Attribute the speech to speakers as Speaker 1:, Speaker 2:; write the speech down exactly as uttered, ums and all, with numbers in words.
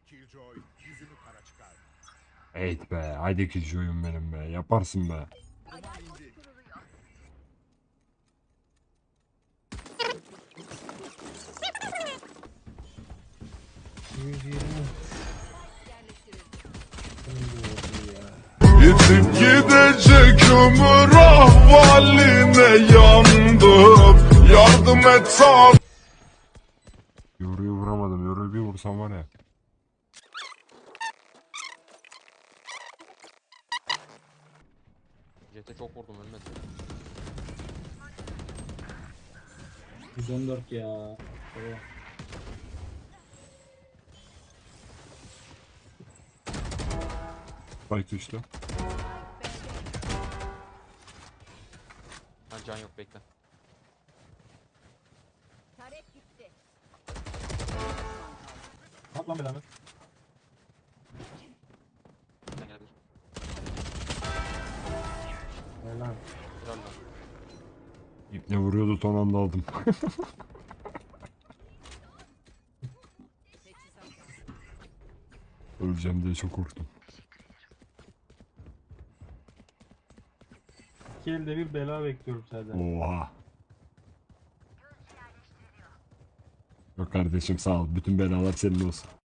Speaker 1: Evet be, haydi küçüğüm benim be, yaparsın be.
Speaker 2: Yitip gidecek ömür ahvaline yandım. Yardım et sağ.
Speaker 1: Yoruyu vuramadım, yoruyu bir vursam var ya.
Speaker 3: Jet'e çok vurdum, ölmedi.
Speaker 4: yüz on dört ya. Baba.
Speaker 1: Spike düştü.
Speaker 3: Ha, can yok, bekle.
Speaker 5: Tarek gitti.
Speaker 4: At lan belanı.
Speaker 3: Sen gelebilir.
Speaker 4: Helal.
Speaker 3: Helal lan.
Speaker 1: İpne vuruyordu, son anda aldım. Öleceğim diye çok korktum.
Speaker 4: İki elde bir bela bekliyorum senden.
Speaker 1: Oha. Yok kardeşim, sağ ol. Bütün belalar senin olsun.